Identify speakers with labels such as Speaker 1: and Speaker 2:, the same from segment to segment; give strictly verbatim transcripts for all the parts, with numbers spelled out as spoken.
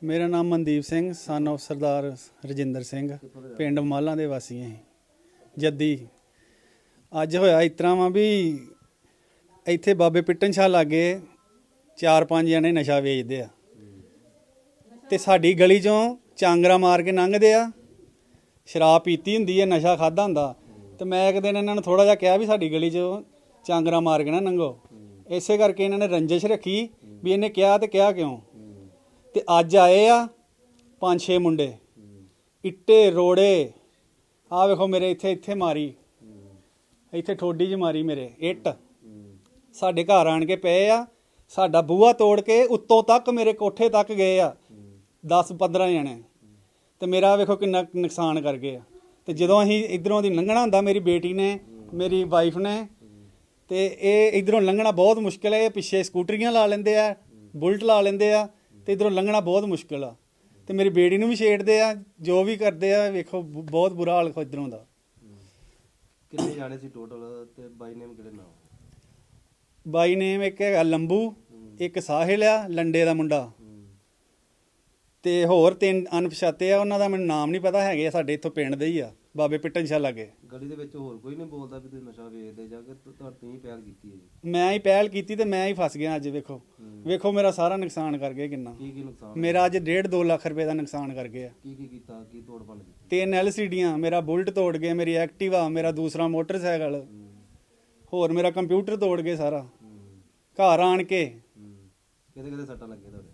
Speaker 1: मेरा नाम Mandeep Singh son of Sardar Rajinder Singh पिंड मालां दे वासी हैं जद्दी। अज होया इस तरह वा भी इत्थे बाबे पिट्टन शाह लागे चार पांच जने नशा वेचदे आ ते साडी गली चों चांगरा मार के लंघदे आ। शराब पीती हुंदी है, नशा खादा हुंदा। ते मैं एक दिन इन्हां नूं थोड़ा जिहा कहा भी साडी गली चों चांगरा मार के ना लंघो। इसे करके इन्हां ने रंजिश रखी भी इन्हें कहा ते कहा क्यों। ते अज आए आ पांच छे मुंडे इट्टे रोड़े आ वेखो मेरे इत्थे इत्थे मारी, इत्थे ठोडी च मारी मेरे इट्ट साडे घर आण के पे आ। साडा बूहा तोड़ के उत्तों तक मेरे कोठे तक गए आ दस पंद्रह जने ते मेरा वेखो किन्ना नुकसान कर गए। ते जदों असीं इधरों दी लंघना हुंदा मेरी बेटी ने मेरी वाइफ ने ते एह् इधरों लंघना बहुत मुश्किल है। पिछे स्कूटरियां ला लेंदे आ, बुलट ला लेंदे आ ते इधरों लंघना बहुत मुश्किल आ। ते मेरी बेटी नूं भी छेड़दे आ, जो भी करदे आ। वेखो बहुत बुरा हाल इधरों दा।
Speaker 2: किन्ने जाने सी टोटल ते बाई नेम किहड़े नाम?
Speaker 1: बाई नेम एक है लंबू, एक साहिल आ लंडे दा मुंडा ते होर तीन अनपछाते आ। उन्हां दा मैनूं नाम नहीं पता, हैगे साडे इत्थों पिंड दे ही आ बाबे पिट्टन शाह लागे।
Speaker 2: गली दे विच होर कोई नहीं बोलदा भी तुसीं नशा वेचदे जां कि तुसीं ही पहल कीती है जी?
Speaker 1: मैं ही पहल कीती ते मैं ही फस गया अज। वेखो वेखो मेरा सारा नुकसान कर गए किन्ना।
Speaker 2: की की नुकसान?
Speaker 1: मेरा अज डेढ़ दो लख रुपए का नुकसान कर गया।
Speaker 2: की की कीता, की तोड़ भन्न कीती?
Speaker 1: तीन एल सी डियां, मेरा बुलट तोड़ गए, मेरी एक्टिवा, मेरा दूसरा मोटरसाइकिल, होर मेरा कंप्यूटर तोड़ गए सारा घर आण के।
Speaker 2: किहदे किहदे सट्टां लगे तुहाडे?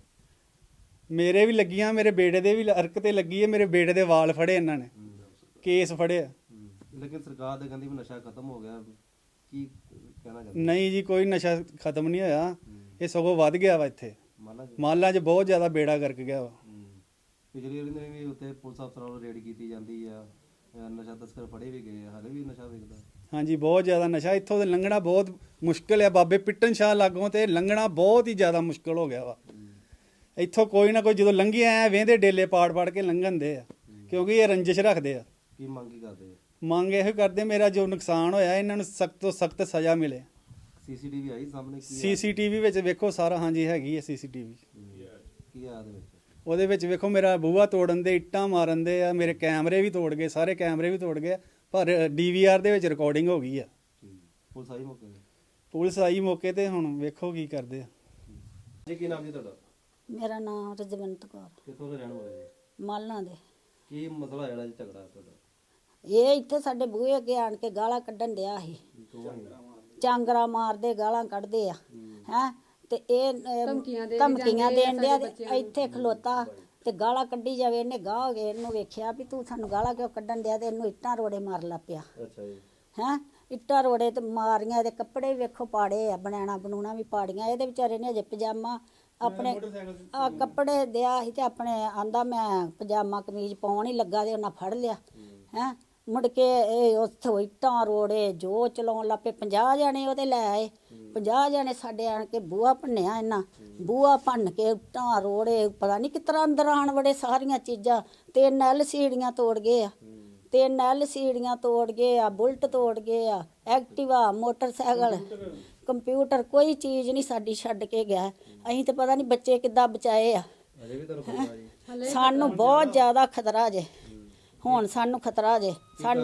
Speaker 1: मेरे भी लगियां, मेरे बेटे दे भी अरक ते लगी है। मेरे बेटे दे वाल फड़े इन्हां ने, केस फड़े।
Speaker 2: लेकिन सरकार ते कहंदी भी नशा खत्म हो गया, की कहना चाहते?
Speaker 1: नहीं जी, कोई नशा खत्म नहीं होया, ये सगों वध गया वा। इत्थे मालां च बहुत ज़्यादा बेड़ा गर्क गया वा।
Speaker 2: पिछली वारी ने भी उत्थे पुलिस अफसरां ਵੱਲੋਂ रेड कीती ਜਾਂਦੀ ਆ, नशा तस्कर फड़े भी गए, हाले भी नशा विकदा?
Speaker 1: हाँ जी, बहुत ज़्यादा नशा इत्थों ते लंघना बहुत मुश्किल है। बाबे पिट्टन शाह लागों ते लंघना बहुत ही ज़्यादा मुश्किल हो गया वा। इत्थों कोई ना कोई जो लंघी आए वेंदे डेले पाड़ पाड़ के लंघन दे आ, क्योंकि ये रंजिश रखते आ।
Speaker 2: की मंग की करदे?
Speaker 1: मंग यह करते मेरा जो नुकसान होया इन्हां नूं सख्त तो सख्त सज़ा मिले।
Speaker 2: सीसीटीवी आई सामने? की
Speaker 1: सीसीटीवी विच वेखो सारा, हाँ जी हैगी है सीसीटीवी।
Speaker 2: की आ दे विच?
Speaker 1: ਉਹਦੇ ਵਿੱਚ ਵੇਖੋ ਮੇਰਾ ਬੂਹਾ ਤੋੜਨ ਦੇ, ਇੱਟਾਂ ਮਾਰਨ ਦੇ ਆ, ਮੇਰੇ ਕੈਮਰੇ ਵੀ ਤੋੜ ਗਏ, ਸਾਰੇ ਕੈਮਰੇ ਵੀ ਤੋੜ ਗਏ। ਪਰ ਡੀਵੀਆਰ ਦੇ ਵਿੱਚ ਰਿਕਾਰਡਿੰਗ ਹੋ ਗਈ ਆ।
Speaker 2: ਪੁਲਿਸ ਆਈ ਮੌਕੇ ਤੇ?
Speaker 1: ਪੁਲਿਸ ਆਈ ਮੌਕੇ ਤੇ, ਹੁਣ ਵੇਖੋ ਕੀ ਕਰਦੇ ਆ।
Speaker 2: ਜੀ ਕੀ ਨਾਮ ਜੀ ਤੁਹਾਡਾ?
Speaker 3: ਮੇਰਾ ਨਾਮ ਰਜਵੰਤ ਕੌਰ,
Speaker 2: ਕਿੱਥੋਂ ਦੇ ਰਹਿਣ ਵਾਲੇ ਜੀ?
Speaker 3: ਮਾਲਾਂ ਦੇ।
Speaker 2: ਕੀ ਮਸਲਾ ਜਿਹੜਾ ਜੀ ਝਗੜਾ ਤੁਹਾਡਾ?
Speaker 3: ਇਹ ਇੱਥੇ ਸਾਡੇ ਬੂਹੇ ਅੱਗੇ ਆਣ ਕੇ ਗਾਲਾਂ ਕੱਢਣ ਡਿਆ ਸੀ, ਚਾਂਗਰਾ ਮਾਰਦੇ ਗਾਲਾਂ ਕੱਢਦੇ ਆ ਹੈ। ਤੇ ਇਹ ਧਮਕੀਆਂ ਦੇਣ ਡਿਆ ਤੇ ਇੱਥੇ ਖਲੋਤਾ ਤੇ ਗਾਲਾਂ ਕੱਢੀ ਜਾਵੇ। ਇਹਨੇ ਗਾਹ ਹੋ ਗਏ, ਇਹਨੂੰ ਵੇਖਿਆ ਵੀ ਤੂੰ ਸਾਨੂੰ ਗਾਲਾਂ ਕਿਉਂ ਕੱਢਣ ਡਿਆ, ਤੇ ਇਹਨੂੰ ਇੱਟਾਂ ਰੋੜੇ ਮਾਰ ਲਾ ਪਿਆ।
Speaker 2: ਅੱਛਾ ਜੀ।
Speaker 3: ਹੈਂ ਇੱਟਾਂ ਰੋੜੇ ਤੇ ਮਾਰੀਆਂ। ਇਹਦੇ ਕੱਪੜੇ ਵੀ ਵੇਖੋ ਪਾੜੇ ਆ, ਬਣਾਣਾ ਬਣੂਣਾ ਵੀ ਪਾੜੀਆਂ। ਇਹਦੇ ਵਿਚਾਰੇ ਨੇ ਅਜੇ ਪਜਾਮਾ ਆਪਣੇ ਆ ਕੱਪੜੇ ਦਿਆ ਸੀ ਤੇ ਆਪਣੇ ਆਂਦਾ ਮੈਂ ਪਜਾਮਾ ਕਮੀਜ਼ ਪਾਉਣ ਹੀ ਲੱਗਾ ਤੇ ਉਹਨਾਂ ਫੜ ਲਿਆ। ਹੈਂ ਮੁੜ ਕੇ ਇਹ ਉੱਥੋਂ ਇੱਟਾਂ ਰੋੜੇ ਜੋ ਚਲਾਉਣ ਲੱਗ ਪਏ। ਪੰਜਾਹ ਜਣੇ ਉਹਦੇ ਲੈ ਆਏ, ਪੰਜਾਹ ਜਣੇ ਸਾਡੇ ਆਣ ਕੇ ਬੂਹਾ ਭੰਨਿਆ। ਇਹਨਾਂ ਬੂਹਾ ਭੰਨ ਕੇ ਇੱਟਾਂ ਰੋੜੇ ਪਤਾ ਨਹੀਂ ਕਿਸ ਤਰ੍ਹਾਂ ਅੰਦਰ ਆਣ ਵੜੇ ਸਾਰੀਆਂ ਚੀਜ਼ਾਂ। ਤਿੰਨ ਐਲ ਸੀੜੀਆਂ ਤੋੜ ਗਏ ਆ, ਤਿੰਨ ਐਲ ਸੀੜੀਆਂ ਤੋੜ ਗਏ ਆ, ਬੁਲਟ ਤੋੜ ਗਏ ਆ, ਐਕਟਿਵਾ, ਮੋਟਰਸਾਈਕਲ, ਕੰਪਿਊਟਰ, ਕੋਈ ਚੀਜ਼ ਨਹੀਂ ਸਾਡੀ ਛੱਡ ਕੇ ਗਿਆ। ਅਸੀਂ ਤੇ ਪਤਾ ਨਹੀਂ ਬੱਚੇ ਕਿੱਦਾਂ ਬਚਾਏ ਆ। ਸਾਨੂੰ ਬਹੁਤ ਜ਼ਿਆਦਾ ਖਤਰਾ ਜੇ, ਹੁਣ ਸਾਨੂੰ ਖਤਰਾ ਜੇ। ਸਾਨੂੰ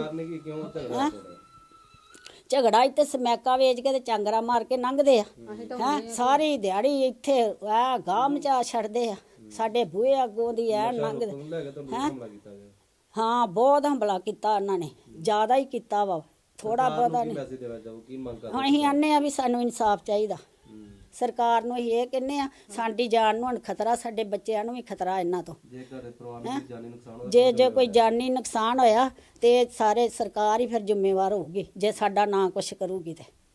Speaker 3: ਝਗੜਾ ਇੱਥੇ ਸਮੈਕਾ ਵੇਚ ਕੇ ਤੇ ਚਾਂਗਰਾ ਮਾਰ ਕੇ ਲੰਘਦੇ ਆ ਹੈਂ। ਸਾਰੀ ਦਿਹਾੜੀ ਇੱਥੇ ਆ ਗਾਹ ਮਚਾ ਛੱਡਦੇ ਆ, ਸਾਡੇ ਬੂਹੇ ਅੱਗੋਂ ਦੀ ਐ ਲੰਘਦੇ ਹੈਂ। ਹਾਂ ਬਹੁਤ ਹਮਲਾ ਕੀਤਾ ਉਹਨਾਂ ਨੇ, ਜ਼ਿਆਦਾ ਹੀ ਕੀਤਾ ਵਾ, ਥੋੜਾ ਬਹੁਤਾ ਨਹੀਂ। ਹੁਣ ਅਸੀਂ ਆਨੇ ਆ ਵੀ ਸਾਨੂੰ ਇਨਸਾਫ ਚਾਹੀਦਾ। ਸਰਕਾਰ ਨੂੰ ਅਸੀਂ ਇਹ ਕਹਿੰਦੇ ਆ ਸਾਡੀ ਜਾਨ ਨੂੰ ਹੁਣ ਖਤਰਾ, ਸਾਡੇ ਬੱਚਿਆਂ ਨੂੰ ਵੀ ਖਤਰਾ ਇਹਨਾਂ ਤੋਂ। ਜੇ ਜੇ ਕੋਈ ਜਾਨੀ ਨੁਕਸਾਨ ਹੋਇਆ ਤੇ ਸਾਰੇ ਸਰਕਾਰ ਹੀ ਫਿਰ ਜ਼ਿੰਮੇਵਾਰ ਹੋਊਗੀ ਜੇ ਸਾਡਾ ਨਾ ਕੁਛ ਕਰੂਗੀ ਤੇ।